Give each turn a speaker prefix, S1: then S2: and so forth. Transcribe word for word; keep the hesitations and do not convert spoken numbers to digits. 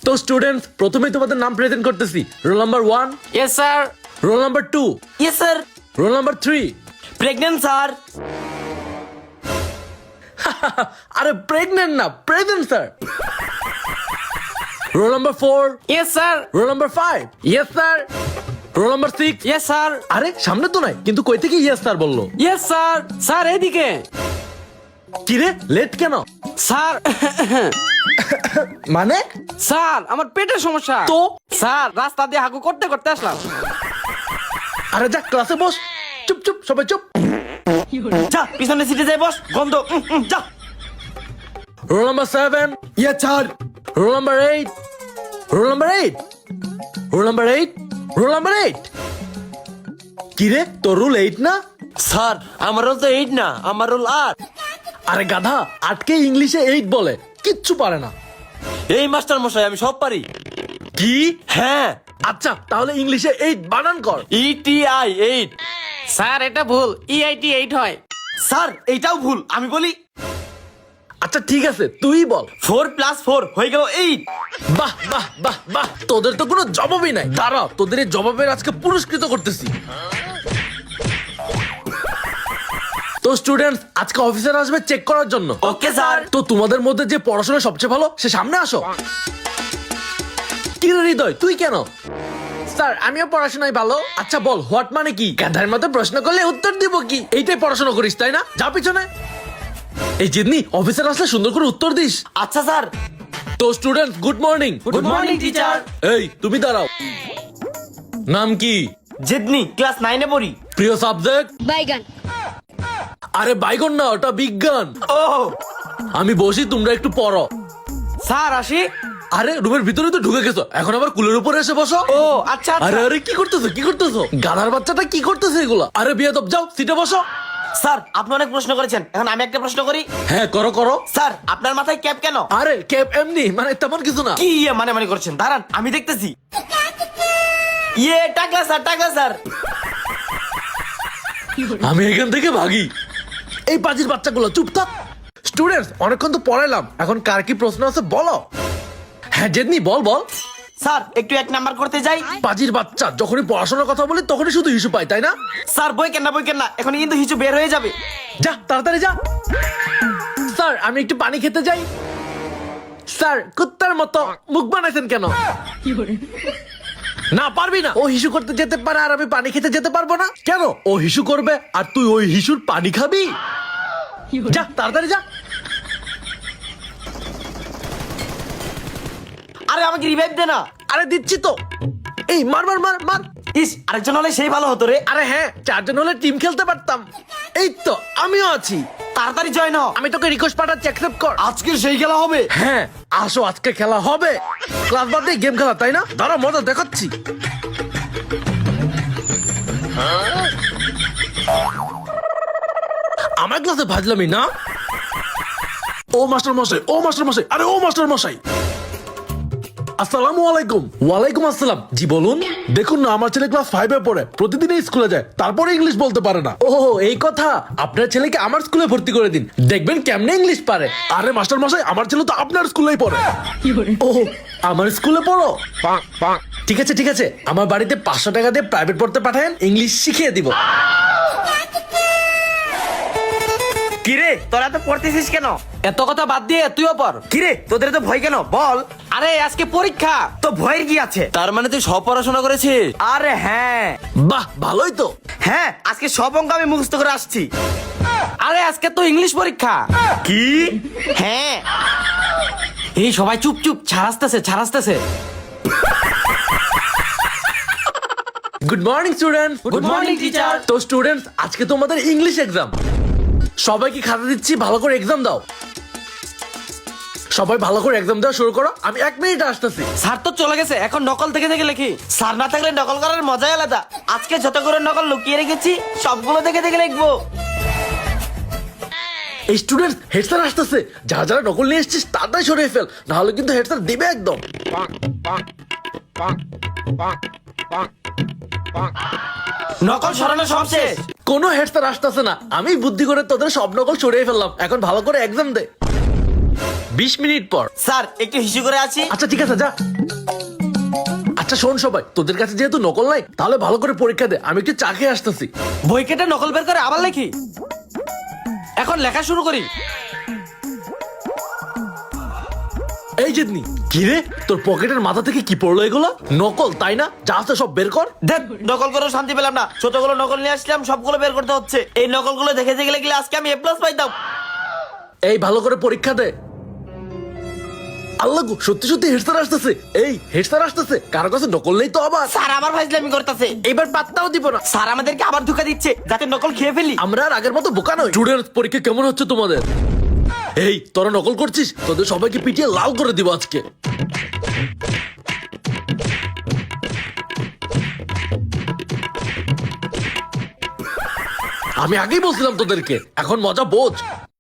S1: তো স্টুডেন্টস, প্রথমেই তোমাদের নাম প্রেজেন্ট করতেছি। Roll number one.
S2: Yes sir.
S1: Roll number two.
S2: Yes sir.
S1: Roll number three.
S2: Pregnant sir.
S1: আরে প্রেগনেন্ট না, present sir. Roll number four.
S2: Yes sir.
S1: Roll number five. Yes sir. Roll number six.
S2: Yes sir.
S1: আরে সামনে তো নাই, কিন্তু কই থেকে yes sir বললো?
S2: Yes sir. স্যার এদিকে।
S1: কিরে লেট কেন?
S2: স্যার
S1: মানে?
S2: স্যার আমার পেটের সমস্যা
S1: তো?
S2: স্যার রাস্তা দিয়ে হাগু করতে করতে আসলাম।
S1: আরে যা ক্লাসে বস। চুপ চুপ সবাই চুপ।
S2: যা পিছনে সিটে যাই বস, গন্ধ। উম, উম, যা।
S1: Roll number seven.
S2: Yes sir.
S1: Roll number eight. Roll number eight. Roll number eight. Roll number eight. কিরে তোর রুল এইট না?
S2: স্যার আমার রোল তো এইট না, আমার রোল আট।
S1: আরে গাধা, আটকে ইংলিশে এইট বলে, কিচ্ছু পারে না।
S2: এই মাস্টার মশাই আমি সব পারি।
S1: কি?
S2: হ্যাঁ।
S1: আচ্ছা তাহলে ইংলিশে এইট বানান কর।
S2: ETI eight. স্যার এটা ভুল, ইআইটি এইট হয়। স্যার এইটাও ভুল, আমি বলি
S1: আচ্ছা ঠিক আছে তুই বল।
S2: ফোর প্লাস ফোর হয়ে গেল এইট।
S1: বাহ বাহ বাহ বাহ, তোদের তো কোনো জবাবই নাই। দাঁড়া, তোদের এই জবাবের আজকে পুরস্কৃত করতেছি। তো স্টুডেন্টস, আজকে অফিসার আসবে চেক করার জন্য।
S2: Okay sir.
S1: তো তোমাদের মধ্যে যে পড়াশোনা সবচেয়ে ভালো সে সামনে আসো। কি রে হৃদয়, তুই কেন? স্যার আমিও পড়াশোনায় ভালো। আচ্ছা বল হোয়াট মানে কি? গাধার মতো প্রশ্ন করলে উত্তর দিব কি? এইটাই পড়াশোনা করিস তাই না? যা পিছনে। এই জিদনি, অফিসার আসলে সুন্দর করে উত্তর দিস।
S2: আচ্ছা স্যার।
S1: তো student good morning.
S2: Good morning teacher.
S1: এই তুমি দাঁড়াও। নাম কি?
S2: জিদনি, ক্লাস নাইনে পড়ি।
S1: প্রিয় সাবজেক্ট?
S3: বাইগান।
S1: আরে বাইগন না, ওটা বিজ্ঞান।
S2: ও
S1: আমি বসি, তোমরা একটু পড়ো।
S2: স্যার আসি।
S1: আরে রুমের ভিতরে তো ঢুকে গেছো, এখন আবার কুলের উপরে এসে বসো।
S2: ও আচ্ছা
S1: আরে
S2: আচ্ছা।
S1: আরে কি করতেছো কি করতেছো? গাধার বাচ্চাটা কি করতেছে এগুলা? আরে বিয়াদব, যাও সিটে বসো।
S2: স্যার আপনি অনেক প্রশ্ন করেছেন, এখন আমি একটা প্রশ্ন করি।
S1: হ্যাঁ করো করো।
S2: স্যার আপনার মাথায় ক্যাপ কেন?
S1: আরে ক্যাপ এমনি, মানে তেমন কিছু না।
S2: কি ইয়ে মানে মানে করছেন? দাঁড়ান আমি দেখতেছি। ইয়ে টাকলা স্যার, টাকলা স্যার।
S1: আমি এখান থেকে ভাগি। এই পাজির বাচ্চাগুলো চুপ থাক। স্টুডেন্টস, অনেকক্ষণ তো পড়াইলাম, এখন কার কি প্রশ্ন আছে বলো। হ্যাঁ জেদনি বল বল।
S2: স্যার একটু এক নাম্বার করতে যাই।
S1: পাজির বাচ্চা, যখনই পড়াশোনার কথা বলি তখনই শুধু ইস্যু পাই তাই না?
S2: স্যার বই কেন না বই কেন না, এখন কিন্তু হিচু বের হয়ে যাবে।
S1: যা তাড়াতাড়ি যা। স্যার আমি একটু পানি খেতে যাই। স্যার কুত্তার মতো মুখ বানাইছেন কেন? না পারবি না। ও হিসু করতে যেতে পারে আর আমি পানি খেতে যেতে পারবো না কেন? ও হিসু করবে আর তুই ওই হিসুর পানি খাবি? যা তাড়াতাড়ি যা।
S2: আরে আমাকে রিভাইভ দে না।
S1: আরে দিচ্ছি তো। এই মার মার মার মার।
S2: ইস আরেকজন হলে সেই ভালো হতো রে।
S1: আরে হ্যাঁ, চারজন হলে টিম খেলতে পারতাম। এই তো আমিও আছি।
S2: তাড়াতাড়ি জয়েন হ।
S1: আমি তোকে রিকোয়েস্ট পাঠাচ্ছি, অ্যাকসেপ্ট কর।
S2: আজকে সেই খেলা হবে।
S1: হ্যাঁ আসো, আজকে খেলা হবে। ক্লাস বাদ দিয়ে গেম খেলা তাই না? দাঁড়া মজা দেখাচ্ছি। আমার ক্লাসে ভাজলামই না। ও মাস্টার মশাই, ও মাস্টার মশাই, আরে ও মাস্টার মশাই। আসসালামু আলাইকুম। ওয়ালাইকুম আসসালাম। জি বলুন। দেখুন না, আমার ছেলে ক্লাস ফাইভে পড়ে, প্রতিদিন স্কুলে যায়, তারপরে ইংলিশ বলতে পারে না। ও এই কথা, আপনার ছেলেকে আমার স্কুলে ভর্তি করে দিন, দেখবেন কেমনে ইংলিশ পারে। আরে মাস্টার মশাই, আমার ছেলে তো আপনার স্কুলেই পড়ে। ও আমার স্কুলে পড়ো? ঠিক আছে ঠিক আছে, আমার বাড়িতে পাঁচশো টাকা দিয়ে প্রাইভেট পড়তে পাঠান, ইংলিশ শিখিয়ে দিব।
S2: কিরে তোরা তো পড়তেছিস কেন? এত কথা বাদ দিয়ে তুইও পড়। কিরে তোদের তো ভয় কেন বল? আরে আজকে পরীক্ষা, তো ভয়ের কি আছে? তার মানে তুই সব পড়াশোনা করেছিস? আরে হ্যাঁ।
S1: বাহ ভালোই তো।
S2: হ্যাঁ আজকে সব অঙ্ক আমি মুখস্থ করে আসছি। আরে আজকে তো ইংলিশ পরীক্ষা। কি? হ্যাঁ। এই সবাই চুপ চুপ, ছাড়াসতেছে ছাড়াসতেছে।
S1: Good morning students.
S2: Good morning, teacher.
S1: তো স্টুডেন্টস, আজকে তোমাদের ইংলিশ এক্সাম। সবাইকে খাতা দিচ্ছি, ভালো করে এক্সাম দাও। সবাই ভালো করে এক্সাম দেওয়া শুরু করো, আমি এক মিনিট আসতেছি।
S2: স্যার তো চলে গেছে, এখন নকল থেকে থেকে লিখি। স্যার না থাকলে নকল করার মজাই আলাদা। আজকে যত করে নকল লুকিয়ে রেখেছি সবগুলো দেখে দেখে লিখবো।
S1: এই স্টুডেন্টস, হেড স্যার আসতেছে, যারা যারা নকল নিয়ে এসেছিস তাড়াতাড়ি সরিয়ে ফেল, নাহলে কিন্তু হেড স্যার দিবে একদম।
S2: নকল সরানো সব শেষ।
S1: কোনো হেড স্যার আসতেছে না, আমি বুদ্ধি করে তোদের সব নকল সরিয়ে ফেললাম, এখন ভালো করে এক্সাম দে। বিশ মিনিট পর।
S2: স্যার একটু হিসু করে আছি।
S1: আচ্ছা ঠিক আছে, যা। আচ্ছা শোন সবাই, তোদের কাছে যেহেতু নকল নাই, তাহলে ভালো করে পরীক্ষা দে, আমি একটু চা খেয়ে আসতেছি।
S2: বই কেটে নকল বের করে আবার লেখি। এখন লেখা শুরু করি।
S1: এই জিতনি, কি রে তোর পকেটের মাথা থেকে কি পড়লো এগুলো? নকল তাই না? যা আছে সব বের কর।
S2: দেখ নকল করে শান্তি পেলাম না, ছোটগুলো নকল নিয়ে আসলাম, সবগুলো বের করতে হচ্ছে। এই নকলগুলো দেখে দেখে গেলে আজকে আমি এ প্লাস পাইতাম।
S1: এই ভালো করে পরীক্ষা দে। আল্লাহ গো, সত্যি সত্যি হেড স্যার আসতেছে। এই হেড স্যার আসতেছে, কারো কাছে নকল নেই তো আবার?
S2: স্যার আবার ফাইজলামি করতেছে, এবার পাত্তাও দিব না। স্যার আমাদেরকে আবার ধোকা দিচ্ছে যাতে নকল খেয়ে ফেলি।
S1: আমরা আর আগের মতো বোকা নই। স্টুডেন্টস, পরীক্ষা কেমন হচ্ছে তোমাদের? এই তোরা নকল করছিস, তোদের সবাইকে পিটিয়ে লাল করে দিব আজকে। আমি আগেই বলছিলাম তোদেরকে, এখন মজা বোঝ।